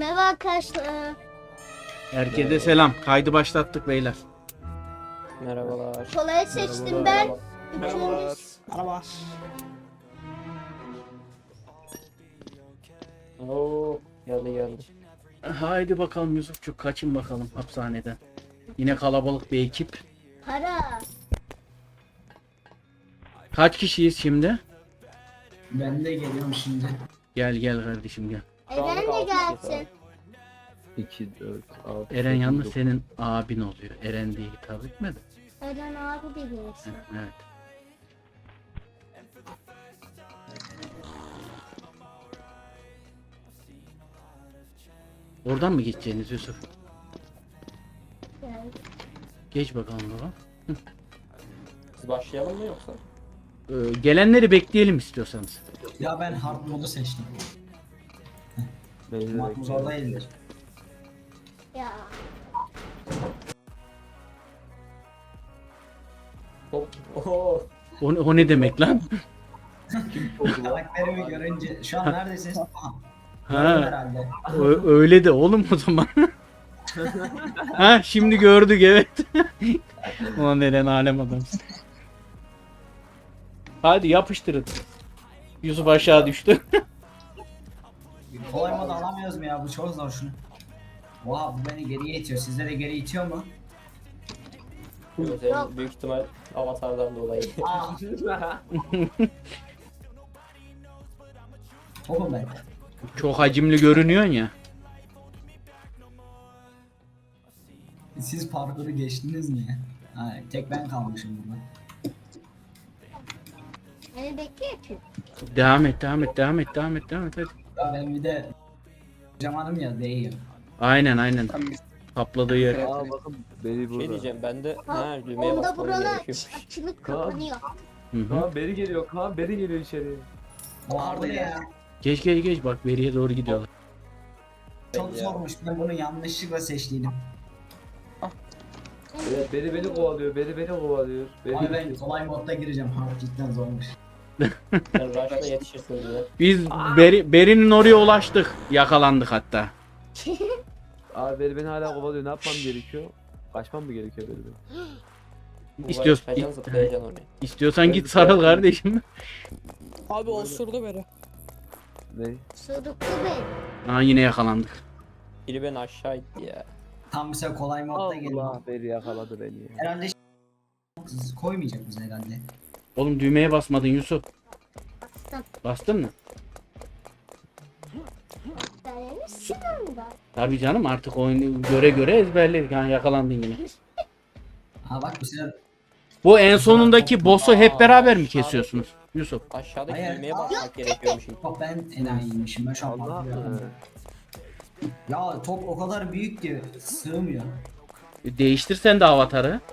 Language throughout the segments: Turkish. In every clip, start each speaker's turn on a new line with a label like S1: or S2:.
S1: Merhaba arkadaşlar.
S2: Herkese selam. Kaydı başlattık beyler.
S3: Merhabalar.
S1: Kolayı seçtim ben.
S3: Merhabalar.
S1: Üçüncü.
S4: Merhaba.
S3: Oo, geldi.
S2: Haydi bakalım Yusufçuk, kaçın bakalım hapishaneden. Yine kalabalık bir ekip.
S1: Para.
S2: Kaç kişiyiz şimdi?
S4: Ben de geliyorum şimdi.
S2: Gel kardeşim gel.
S1: Eren de gelsin.
S3: 2, 4, 6.
S2: Eren yalnız senin abin oluyor. Eren diye hitap etmedi.
S1: Eren abi de gelsin.
S2: Evet. Oradan mı geçeceğiniz Yusuf?
S1: Gel.
S2: Geç bakalım baba.
S3: Biz başlayalım mı yoksa?
S2: Gelenleri bekleyelim istiyorsanız.
S4: Ya ben hard modu seçtim.
S3: Beni de
S4: Mat zor değildir.
S1: Ya.
S3: Hop. Oo.
S2: O ne demek lan?
S4: Karakterimi görünce şu an neredesiniz? Aha.
S2: Ha,
S4: Herhalde.
S2: öyle de oğlum o zaman. Ha, şimdi gördük evet. Ulan Eren alem adamsın. Hadi yapıştırın. Yusuf aşağı düştü.
S4: Kolay modu alamıyoruz mu ya? Bu çok zor şunu. Oha bu beni geriye itiyor. Sizlere geri itiyor mu?
S3: Senin büyük ihtimal avatardan dolayı.
S4: Aa. Topum ben.
S2: Çok hacimli görünüyorsun ya.
S4: Siz parkuru geçtiniz mi ya? Ha, tek ben kalmışım burada.
S1: Beni bekliyor ki.
S2: Devam et hadi.
S4: Ya ben bir de zamanım ya değiyor.
S2: Aynen. Kapladığı yer.
S5: Aa bakın beni burada.
S3: Diyeceğim ben de
S1: Ha,
S3: düğmeye
S1: onda
S3: basmam
S1: buralar
S3: gerekiyor.
S1: açılıp
S5: Kaan.
S1: kapanıyor.
S2: Hı hı.
S5: Kaan beri geliyor. Kaan beri geliyor içeri.
S4: Oha bu ne ya?
S2: Geç bak beriye doğru gidiyorlar.
S4: Çok
S3: Ya.
S4: zormuş. Ben bunu yanlışlıkla seçtiydim.
S5: Evet beri beni kovalıyor. Beri kovalıyor.
S4: Abi ben kolay modda gireceğim. Hard cidden zormuş.
S3: Sen rush'la yetişirsin diye.
S2: Biz Beri'nin oraya ulaştık. Yakalandık hatta.
S5: Abi beni hala kovalıyor. Ne yapmam gerekiyor? Kaçmam mı gerekiyor beni?
S3: Kaçacaksın zıplayacaksın oraya.
S2: İstiyorsan git sarıl kardeşim.
S6: Abi osurdu beni.
S5: Ne?
S1: Sırıklı beni.
S2: Aa, yine yakalandık.
S3: Biri beni aşağı itti ya.
S4: Tam mesela kolay modda geliyor.
S5: Allah beri yakaladı beni ya.
S4: Herhalde koymayacak bize herhalde.
S2: Oğlum düğmeye basmadın Yusuf.
S1: Bastım.
S2: Bastın mı?
S1: Benim silahımda.
S2: Tabii canım, artık oyunu göre ezberledik. Ha, yakalandın yine.
S4: Ha bak bu sefer
S2: Bu en sonundaki boss'u hep beraber mi kesiyorsunuz Yusuf?
S3: Aşağıdaki
S4: Hayır.
S3: düğmeye basmak gerekiyormuş.
S4: bak ben enayiymişim ben şu an
S5: Allah
S4: bakıyorum. Ya top o kadar büyük ki sığmıyor.
S2: Değiştir sen de avatarı.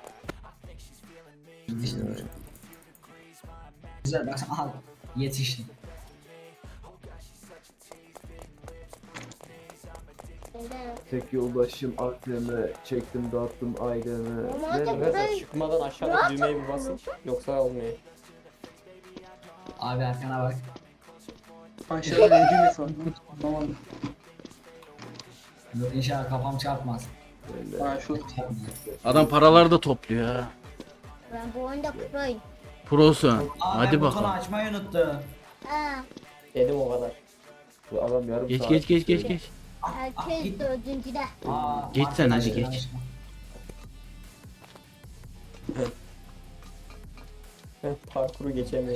S4: Güzel bak aha yetiştim.
S1: Neden?
S5: Tek yoldaşım aklımı çektim dağıttım ailemi.
S1: Normalde
S5: Ne?
S1: burayı
S3: Çıkmadan aşağıdaki düğmeye bir basın. Yoksa olmuyor.
S4: Abi arkana bak.
S7: Aşağıda ne cümlesi var? Anlamadım.
S4: Dur inşallah kafam çarpmaz.
S7: Ha şu
S4: Çarpmıyor.
S2: Adam paraları da topluyor ha.
S1: ben bu oyunda proyum.
S2: Prosun.
S4: Aa,
S2: Hadi
S4: ben butonu
S2: bakalım.
S4: açmayı unuttum.
S1: Ha,
S3: Dedim o kadar.
S5: Bu adam yarım
S2: Geç
S5: saat.
S2: geç.
S1: herkes dördüncüde.
S4: Aa,
S2: Geç sen, hadi
S4: arkadaşlar,
S2: geç.
S3: Parkuru geçemiyor.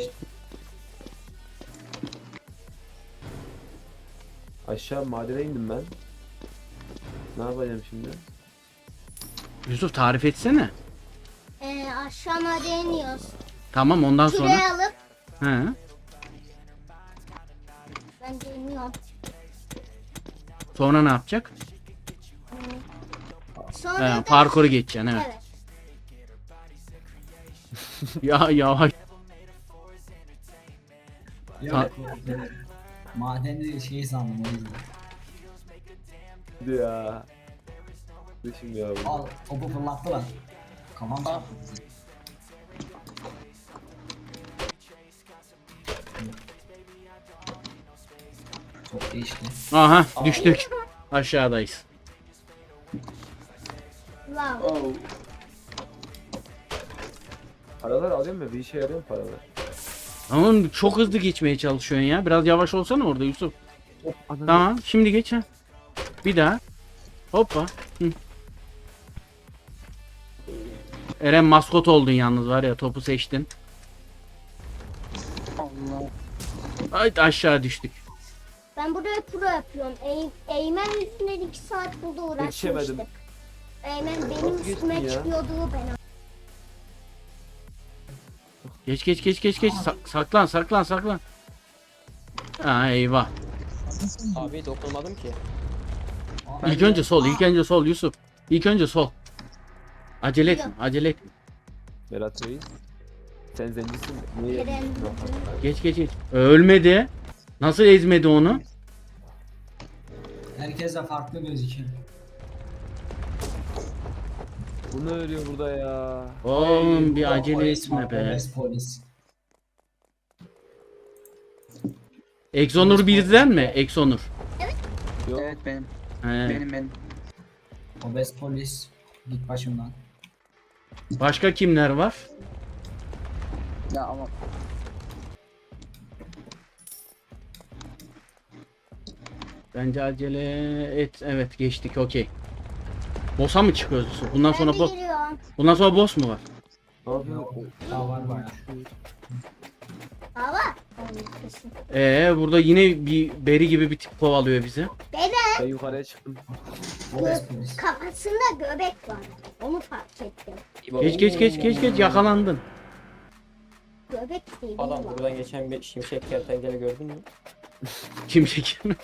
S5: Aşağı madene indim ben. Ne yapacağım şimdi?
S2: Yusuf tarif etsene.
S1: Aşağı madene iniyoruz.
S2: Tamam, ondan sonra.
S1: Şuraya alıp
S2: He.
S1: ben de iniyorum.
S2: Sonra ne yapacak?
S1: Sonra
S2: He,
S1: da
S2: parkuru geçeceksin, evet.
S1: evet.
S2: Ya yavaş.
S4: Yok. Madeni şey sandım o yüzden.
S5: Hadi ya. Düşün ya bu.
S4: Al topu fırlattılar. Kafam çarptı. Çok değişti.
S2: Aha düştük. Aşağıdayız.
S1: Wow.
S7: Oh.
S5: Paralar alıyor mu? Bir işe yarıyor mu paralar?
S2: Ama çok hızlı geçmeye çalışıyorsun ya. Biraz yavaş olsana orada Yusuf.
S5: Ananı-
S2: Tamam şimdi geç ha. Bir daha. Hoppa. Hı. Eren maskot oldun yalnız var ya, topu seçtin.
S7: Allah.
S2: Ay aşağı düştük.
S1: Ben buraya pro yapıyorum. Eymen yüzünden 2 saat burada
S5: Yetişemedim.
S1: uğraşmıştık. Eymen benim
S5: Nasıl
S1: üstüme
S5: geçtin ya?
S1: çıkıyordu ben.
S2: Geç. Saklan. Ha eyvah.
S3: Abi dokunmadım ki.
S2: İlk önce sol Yusuf. İlk önce sol. Acele etme.
S5: Berat Reis. Sen zencisin. Niye?
S1: Eren.
S2: Geç. Ölmedi. Nasıl ezmedi onu?
S4: Herkes de farklı gözüküyor.
S5: Bunu örüyor burada ya.
S2: Oğlum bir
S4: Ay,
S2: acele
S4: polis
S2: etme
S4: var,
S2: be.
S4: Polis.
S2: Exonur bizden mi? Exonur.
S5: Yok.
S7: Evet benim.
S2: He.
S7: Benim.
S4: Obez polis. Git başımdan.
S2: Başka kimler var?
S7: Ya ama
S2: Bence acele et. Evet geçtik okey. Boss'a mı çıkıyoruz Yusuf? Bundan
S1: Ben
S2: sonra
S1: de
S2: boss.
S1: giriyorum.
S2: Bundan sonra boss mu var?
S5: Ne yapıyorsun?
S4: Daha var bayağı.
S1: Hava.
S2: Burada yine bir beri gibi bir tip kovalıyor bizi.
S5: Ben yukarıya çıktım.
S4: Obez polis.
S1: Kafasında göbek var. Onu fark ettim.
S2: Geç yakalandın.
S1: Göbek değil.
S3: Adam
S1: var.
S3: buradan geçen bir şimşek kertenkele gördün mü?
S2: Kim çekiyor?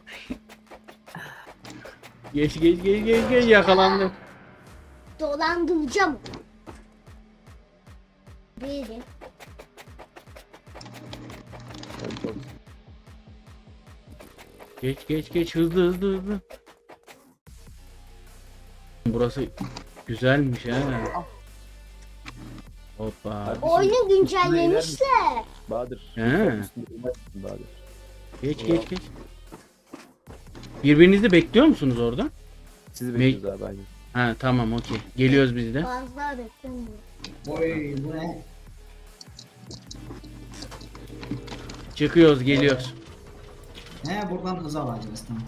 S2: Geç yakalandım.
S1: Dolandıracağım. Biri.
S5: Ben çok...
S2: Geç hızlı. Burası güzelmiş ha. Hoppa.
S5: Kardeşim,
S1: Oyunu güncellemişler.
S5: Bahadır.
S2: He.
S5: Üstünde inmezsin Bahadır.
S2: Geç. Birbirinizi bekliyor musunuz orada?
S5: Sizi bekliyoruz abi aynen.
S2: Ha tamam okey. Geliyoruz biz de.
S1: Fazla beklemiyor.
S4: Oy bu ne?
S2: Çıkıyoruz geliyoruz.
S4: He buradan hız alacağız tamam.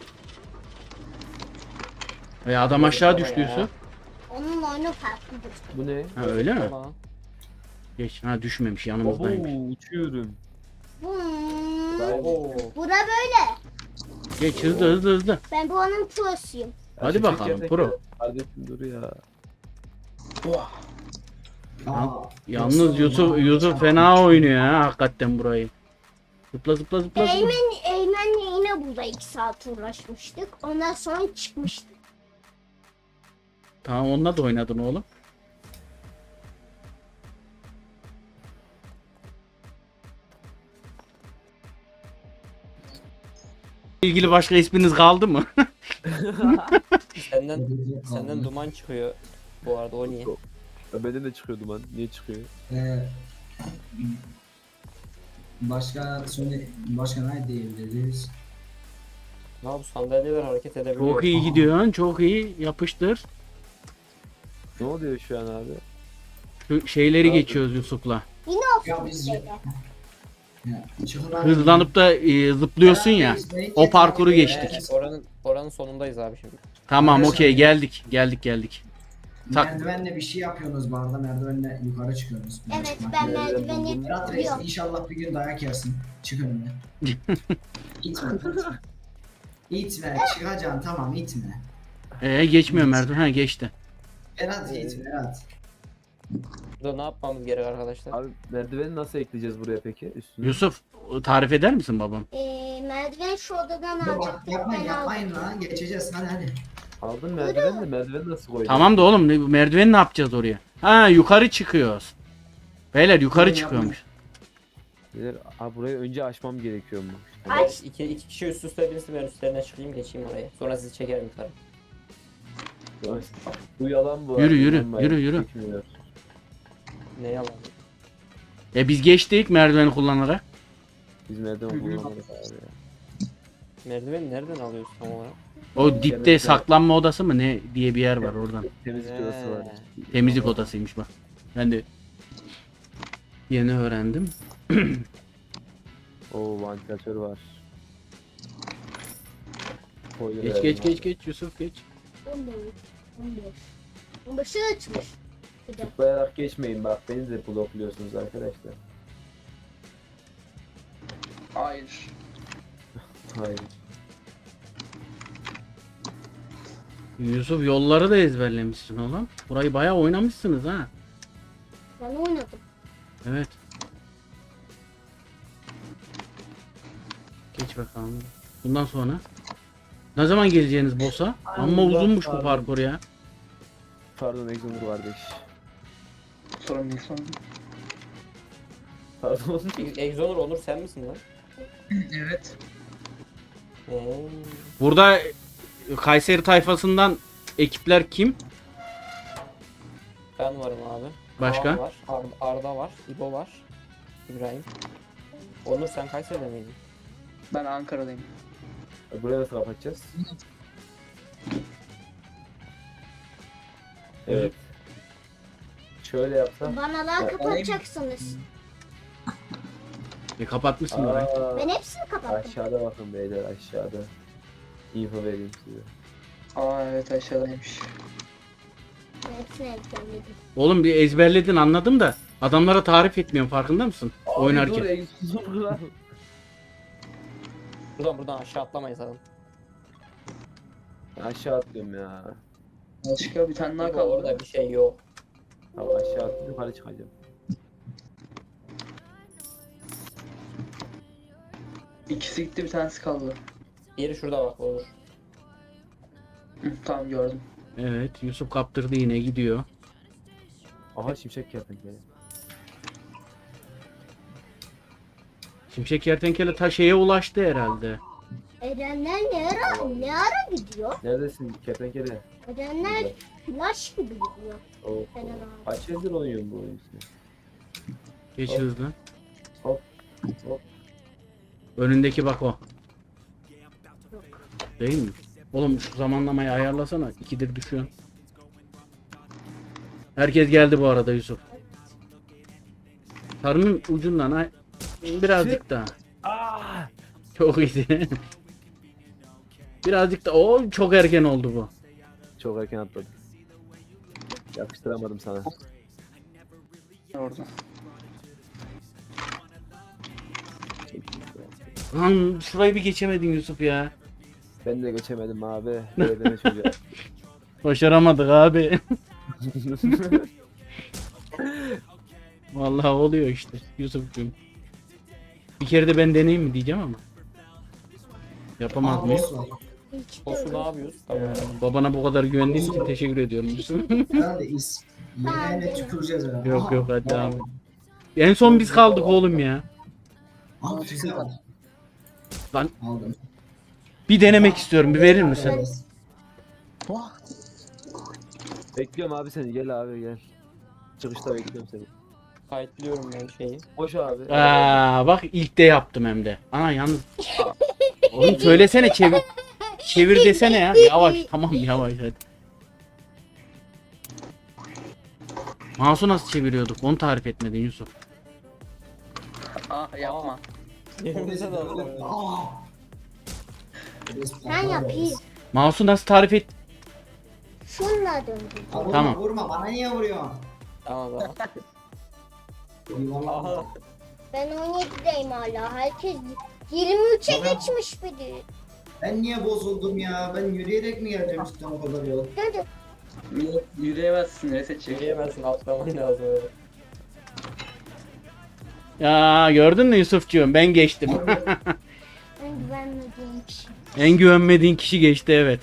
S2: Ve adam aşağı düştü Yusuf.
S1: Onun oyunu farklıdır.
S5: Bu ne?
S2: Ha öyle mi?
S3: Ama
S2: Geç. Ha düşmemiş
S5: Abo
S2: yanımızdaymış.
S5: uçuyorum.
S3: Oo.
S1: Bura böyle.
S2: Geç hızlı.
S1: Ben bu onun prosuyum.
S2: Hadi
S5: Şimşek
S2: bakalım,
S5: kertenkele.
S2: pro.
S5: Kardeşim dur ya.
S4: Aa,
S2: Yalnız Yusuf fena oynuyor ha hakikaten burayı. Zıpla.
S1: Eymen'le yine burada 2 saat uğraşmıştık. Ondan sonra çıkmıştık.
S2: Tamam onunla da oynadın oğlum. İlgili başka isminiz kaldı mı?
S3: Senden duman çıkıyor. Bu arada o niye?
S5: Ya benden de çıkıyor duman. Niye çıkıyor?
S4: Başka ne diyebiliriz?
S3: Ne bu sandalyeler hareket edebiliyor.
S2: Çok iyi gidiyorsun, çok iyi. Yapıştır.
S5: Ne oluyor şu an abi?
S2: Şu şeyleri
S5: Abi.
S2: geçiyoruz Yusuf'la.
S1: Yine
S4: Ya
S1: olsun
S4: biz-
S1: böyle.
S4: Çıkın abi.
S2: Hızlanıp da zıplıyorsun ya. O parkuru geçtik.
S3: Oranın sonundayız abi şimdi.
S2: Tamam okey geldik. Tak.
S4: Merdivenle bir şey yapıyorsunuz bu arada. Merdivenle yukarı çıkıyorsunuz.
S1: Evet ben merdiveni
S4: Berat Reis
S1: biliyorum.
S4: inşallah bir gün dayak yersin. Çık önüme. İtme. İtme. Çıkacaksın tamam itme.
S2: Geçmiyor merdiven. Ha geçti.
S4: Berat itme Berat.
S3: Burada ne yapmamız gerek arkadaşlar?
S5: Abi merdiveni nasıl ekleyeceğiz buraya peki? Üstüne.
S2: Yusuf tarif eder misin babam?
S1: Merdiven şu odadan
S4: Dur bak
S1: alacaktık.
S4: yapmayın
S1: Ben
S4: yapmayın
S1: aldım.
S4: lan. Geçeceğiz hadi.
S5: Aldın merdiveni de merdiveni nasıl koydun?
S2: Tamam da oğlum merdiveni ne yapacağız oraya? Ha yukarı çıkıyoruz. Beyler yukarı
S4: Yapma.
S2: çıkıyormuş.
S5: Beyler, abi burayı önce açmam gerekiyormuş.
S1: Aç.
S3: İki kişi üst üste binsin, ben üstlerine çıkayım geçeyim oraya. Sonra sizi çekerim yukarı.
S5: Bu yalan bu.
S2: Yürü,
S5: abi,
S2: yürü,
S5: inanmayın.
S2: yürü.
S5: Çekmiyor.
S3: Ne yalan.
S2: Biz geçtik merdiveni kullanarak.
S5: Biz merdiven kullanmadık abi ya.
S3: Merdiveni nereden alıyorsun tam olarak?
S2: O dipte saklanma odası mı ne diye bir yer var oradan.
S5: Temizlik odası var.
S2: Temizlik odasıymış bak. Ben de yeni öğrendim.
S5: Oo, vantilatör var.
S2: Geç Yusuf geç.
S1: 15'i açmış. Bir de.
S5: Tıklayarak geçmeyin bak, beni de blokluyorsunuz arkadaşlar.
S7: Hayır.
S5: Hayır.
S2: Yusuf yolları da ezberlemişsin oğlum. Burayı bayağı oynamışsınız ha.
S1: Ben oynadım.
S2: Evet. Geç bakalım. Bundan sonra ne zaman geleceğiniz boss'a? Amma uzunmuş bu parkur ya.
S5: Pardon Exonur kardeş.
S7: Sorun değil sorun.
S5: Pardon.
S3: Exonur Onur sen misin lan?
S7: Evet.
S2: Burada Kayseri tayfasından ekipler kim?
S3: Ben varım abi.
S2: Başka?
S3: Kaan var. Arda var. İbo var. İbrahim. Onur sen Kayseri'de miydin?
S7: Ben Ankara'dayım.
S5: Buraya nasıl kapatacağız? Evet. Şöyle yapsam.
S1: Bana daha kapatacaksınız.
S2: Kapatmışsın orayı.
S1: Ben hepsini kapattım.
S5: Aşağıda bakın beyler, aşağıda. Info vereyim size.
S7: Aa evet aşağıdaymış.
S1: Ben hepsini ezberledim.
S2: Oğlum bir ezberledin anladım da adamlara tarif etmiyorum farkında mısın? Oynarken.
S5: Dur Exonur lan.
S3: Buradan aşağı atlamayız adam.
S5: Aşağı atlıyorum ya.
S7: Başka bir tane daha
S3: İbo
S7: kaldı.
S3: orada bir şey yok.
S5: Tamam aşağı atlayıp yukarı çıkacağım.
S7: İkisi gitti bir tanesi kaldı.
S3: Diğeri şurada bak olur.
S7: Hı, tamam gördüm.
S2: Evet Yusuf kaptırdı yine gidiyor.
S5: Aha şimşek kertenkele.
S2: Şimşek kertenkele ta şeye ulaştı herhalde.
S1: Erenler ne ara gidiyor?
S5: Neredesin kertenkele?
S1: Erenler flash gibi gidiyor.
S5: Oh.
S1: Eren abi.
S5: Kaç yıldır oynuyorsun bu oyunu sen?
S2: Geç
S5: Hop.
S2: hızlı.
S5: Hop. Hop.
S2: Önündeki bak o. Değil mi? Oğlum şu zamanlamayı ayarlasana. İkidir düşüyorsun. Herkes geldi bu arada Yusuf. Sarının ucundan ay birazcık daha.
S5: Aa!
S2: Çok iyiydi. Birazcık da o çok erken oldu bu.
S5: Çok erken atladım. Yapıştıramadım sana.
S7: Orada.
S2: Lan şurayı bir geçemedin Yusuf ya.
S5: Ben de geçemedim abi. Belediye çocuğa.
S2: Başaramadık abi. Vallahi oluyor işte Yusuf'cum. Bir kere de ben deneyeyim mi diyeceğim ama. Yapamaz mıyım?
S4: boss var.
S1: Hiç de
S3: Olsun ne
S1: öyle.
S3: yapıyoruz? Tamam.
S2: Babana bu kadar güvendiğin için teşekkür ediyorum Yusuf.
S4: Ben de is. Yemeğine tüküreceğiz herhalde.
S2: Yok
S4: Aha.
S2: yok hadi abi. En son biz kaldık oğlum ya.
S4: Al füze al.
S2: Lan
S4: Aldım.
S2: bir denemek istiyorum bir verir misin?
S5: Bekliyorum abi seni. Gel abi gel. Çıkışta bekliyorum seni.
S3: Kayıtlıyorum ben şeyi.
S5: Koş abi.
S2: Aa, bak ilk de yaptım hem de. Ana yalnız. Oğlum söylesene çevir. Çevir desene ya. Yavaş tamam yavaş hadi. Mouse'u nasıl çeviriyorduk? Onu tarif etmedin Yusuf.
S7: Ah yapma.
S3: Yerimize de alalım.
S4: Aa.
S1: Ben yapayım.
S2: Mouse'u nasıl tarif et?
S1: Şunla döndüm.
S4: Vurma,
S2: Tamam.
S4: Vurma bana niye vuruyorsun?
S3: Tamam tamam.
S4: Eyvallah.
S3: Aha.
S1: Ben 17'deyim hala. Herkes 23'e geçmiş biri.
S4: Ben niye bozuldum ya? Ben yürüyerek mi geleceğim işte o kadar yol?
S1: Hadi.
S7: Yürüyemezsin reset çek.
S3: Yürüyemezsin atlaman lazım öyle.
S2: Ya gördün mü Yusufcuğum ben geçtim.
S1: Ben güvenmediğim kişi.
S2: En güvenmediğin kişi geçti evet.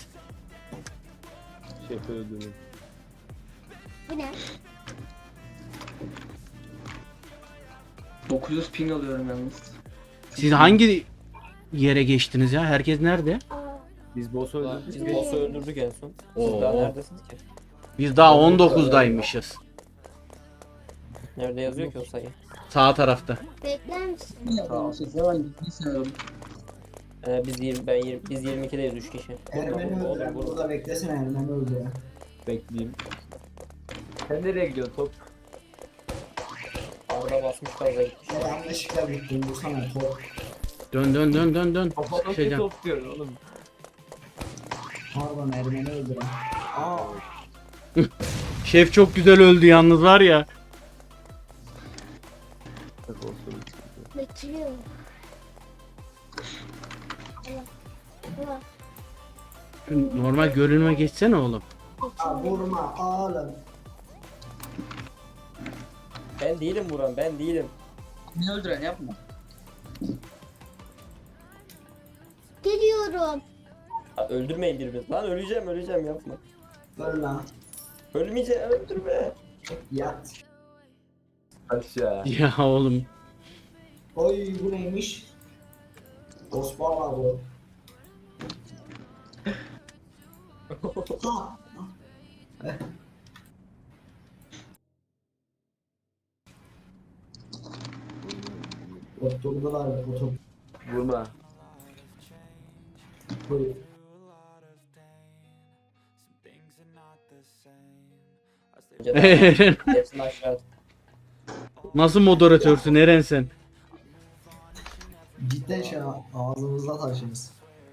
S5: Şef öldürün.
S1: Bu ne?
S7: 900 ping alıyorum yalnız.
S2: Siz hangi yere geçtiniz ya? Herkes nerede?
S1: Aa,
S5: Biz boss öldürdük.
S3: Biz boss'u öldürdük en son. Siz
S2: Oo.
S3: daha neredesiniz ki?
S2: Biz daha 19'daymışız.
S3: Nerede yazıyor ki o sayı?
S2: Sağ tarafta.
S1: bekler misin?
S7: Tamam siz hemen gitmeyi sanıyorum.
S3: Biz 22'deyiz 3 kişi.
S4: Ermeni
S3: Olur,
S4: öldüren
S3: olur.
S4: burada beklesene Ermeni öldüren.
S5: Bekleyeyim. Sen nereye gidiyorsun top?
S3: Arda basmış gaza gitmiş.
S4: Ben yanlışlıkla gittim bu sana top.
S2: Dön.
S5: Kafadaki
S2: Şeyden.
S5: top diyorsun oğlum.
S4: Pardon Ermeni öldüren. Aa
S2: Şef çok güzel öldü yalnız var ya.
S1: Bekliyorum. Allah.
S2: Şu normal görünüme geçsene oğlum.
S4: vurma oğlum.
S3: Ben değilim Buran, ben değilim.
S7: Beni öldüren yapma.
S1: Geliyorum.
S3: Ha, öldürmeyin birbirinizi. Lan öleceğim yapma.
S4: Öl lan.
S3: Ölmeyeceğim, öldürme.
S4: Yat.
S5: Aşağı.
S2: Ya oğlum.
S4: Oy bu neymiş? Osmanlı bu. Ha. Oturdular otur.
S5: Vurma.
S4: Buyur.
S2: Eren,
S3: Hepsini aşağı at.
S2: nasıl moderatörsün Eren sen?
S4: Cidden şey ağzımızda taşıyoruz.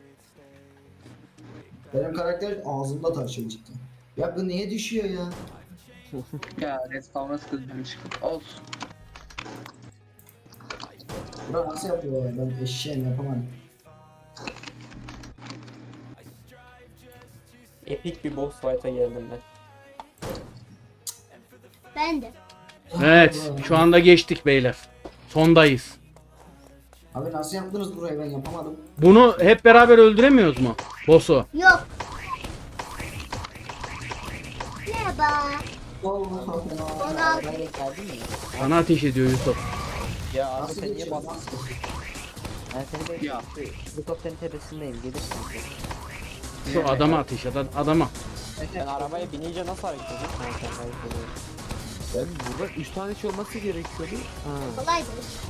S4: Benim karakter ağzımda taşıyor cidden. Ya bu niye düşüyor ya?
S7: Ya respawn'a sıkıldım çıkıp. Olsun.
S4: Bura nasıl yapıyor ya? Ben eşeğim yapamadım.
S3: Epik bir boss fight'a geldim ben.
S1: Ben de.
S2: Evet, şu anda geçtik beyler. Sondayız.
S4: Abi nasıl yaptınız burayı ben yapamadım.
S2: Bunu hep beraber öldüremiyoruz mu? Boss'u.
S1: Yok. Merhaba.
S4: Allah Allah.
S1: Onu al.
S2: Sana ateş ediyor Yusuf.
S3: Ya abi
S4: Nasıl
S3: sen niye
S4: geçiyor?
S3: bastın?
S4: Nasıl?
S8: Ben seni bekliyorum.
S7: Ya.
S8: Helikopterin tepesindeyim. Gelirsin.
S2: Şu adama ateş et, adama.
S3: Ben arabaya binince nasıl hareket ediyorsun? Ha, sen hareket ediyorsun.
S5: Ben burada 3 tane şey olması gerekiyordu. Ha.
S1: Kolaydı.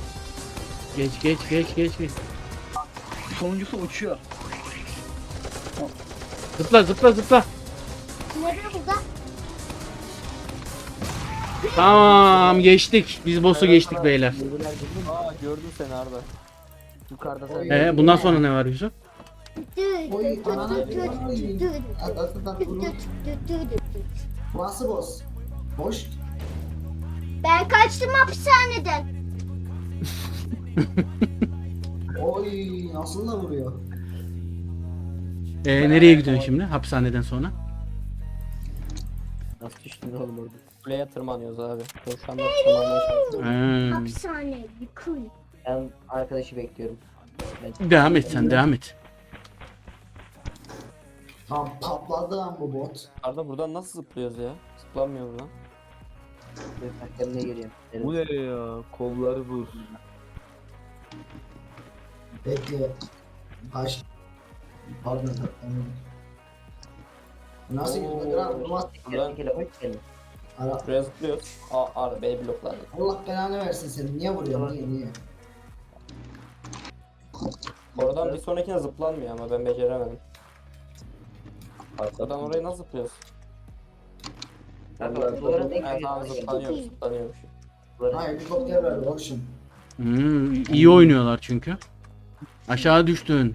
S2: Geç.
S7: Sonuncusu uçuyor.
S2: Zıpla.
S1: Nerede burada?
S2: Tamam, geçtik. Biz boss'u geçtik beyler.
S5: Aa gördüm seni Arda.
S8: Yukarıda
S4: Oy.
S8: sen.
S2: Bundan sonra ne var Yusuf?
S4: Oy ananı Nasıl boss? Boş.
S1: Ben kaçtım hapishaneden.
S4: Oy nasıl da vuruyor?
S2: Nereye gidiyorsun şimdi hapishaneden sonra?
S8: Nasıl düştün oğlum orada?
S3: Kuleye tırmanıyoruz abi. Ben şu anda tırmanmaya çalışıyorum.
S1: Hapishane yıkıl.
S8: Ben arkadaşı bekliyorum.
S2: Devam et sen, devam et.
S4: Tam patladı lan bu bot.
S3: Arda buradan nasıl zıplıyoruz ya? Zıplanmıyor buradan.
S8: Kendine geliyorum.
S5: Bu ne ya? Kolları vur.
S4: Bekle. Kaç. Pardon. Nasıl gidiyor? Kral durmaz.
S3: Buradan
S8: Hoş geldin.
S4: Ara.
S3: şuraya zıplıyoruz. Arda beni blokladı.
S4: Allah belanı versin seni. Niye vuruyorsun? Niye?
S3: Oradan bir sonrakine zıplanmıyor ama ben beceremedim. Buradan oraya nasıl zıplıyoruz?
S8: Duvarın en
S3: Ha tamam
S8: köşesine
S3: zıplanıyormuş.
S4: Ha helikopter ver oğlum.
S2: İyi oynuyorlar çünkü. Aşağı düştün.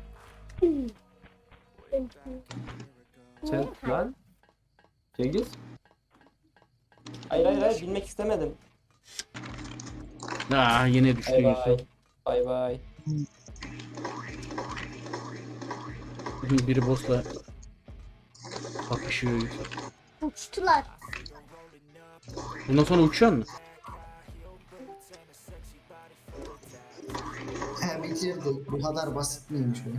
S5: Sen lan. Cengiz.
S3: Hayır bilmek istemedim.
S2: Yine düştü
S3: Bay
S2: Yusuf.
S3: bay. Bay bay.
S2: Biri boss'la kapışıyor Yusuf.
S1: Uçtular.
S2: Bundan sonra uçuyor mu?
S4: He bitirdik. Bu kadar basit miymiş bu?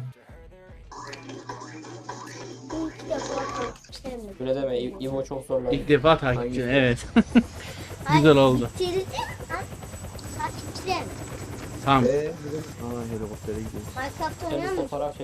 S1: İlk defa kaçtım.
S3: Öyle deme. İvo çok zorlandı.
S2: İlk defa takipçi,
S5: Hangisi?
S2: evet. Güzel oldu.
S1: Bitirdim. Takipçilerim.
S2: Tamam.
S5: Aa helikoptere gidiyoruz.
S1: Minecraft
S3: Sen
S1: oynuyor
S3: bir
S1: musun?
S3: fotoğraf çek.